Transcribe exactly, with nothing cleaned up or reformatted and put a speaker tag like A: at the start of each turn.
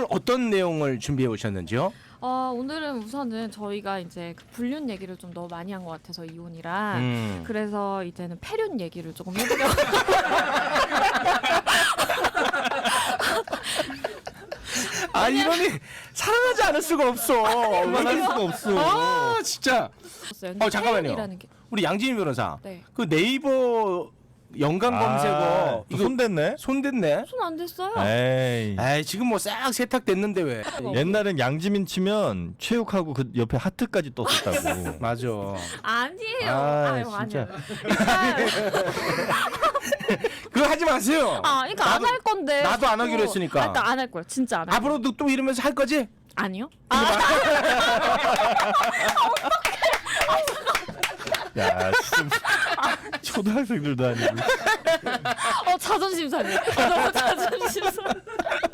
A: 어떤 내용을 준비해 오셨는지요?
B: 어, 오늘은 우선은 저희가 이제 그 불륜 얘기를 좀 너무 많이 한 것 같아서 이혼이랑
A: 음.
B: 그래서 이제는 폐륜 얘기를 조금 해보려고.
A: 아 이분이 사랑하지 않을 수가 없어.
C: 만날 수가 없어.
A: 아 진짜. 어 잠깐만요.
B: 폐륜이라는 게.
A: 우리 양진희 변호사.
B: 네.
A: 그 네이버 연관 검색어
C: 아,
A: 이거
C: 손댔네.
A: 손댔네.
B: 손 안 됐어요.
C: 에이.
A: 에이 지금 뭐 싹 세탁됐는데 왜?
C: 옛날엔 양지민 치면 체육하고 그 옆에 하트까지 떴었다고.
A: 맞아.
B: 아니에요.
C: 아,
B: 아유,
C: 진짜.
B: 아니에요. 일단
A: 그거 하지 마세요.
B: 아, 그러니까 안
A: 나도-
B: 할 건데.
A: 나도 안 하기로
B: 또-
A: 했으니까.
B: 아, 그러니까 안 할 거야. 진짜 안 할.
A: 앞으로도 또 이러면서 할 거지?
B: 아니요. 아,
C: 야, 진짜 초등학생들도 아니고.
B: 어 자존심 상해. 어, 너무 자존심 상해.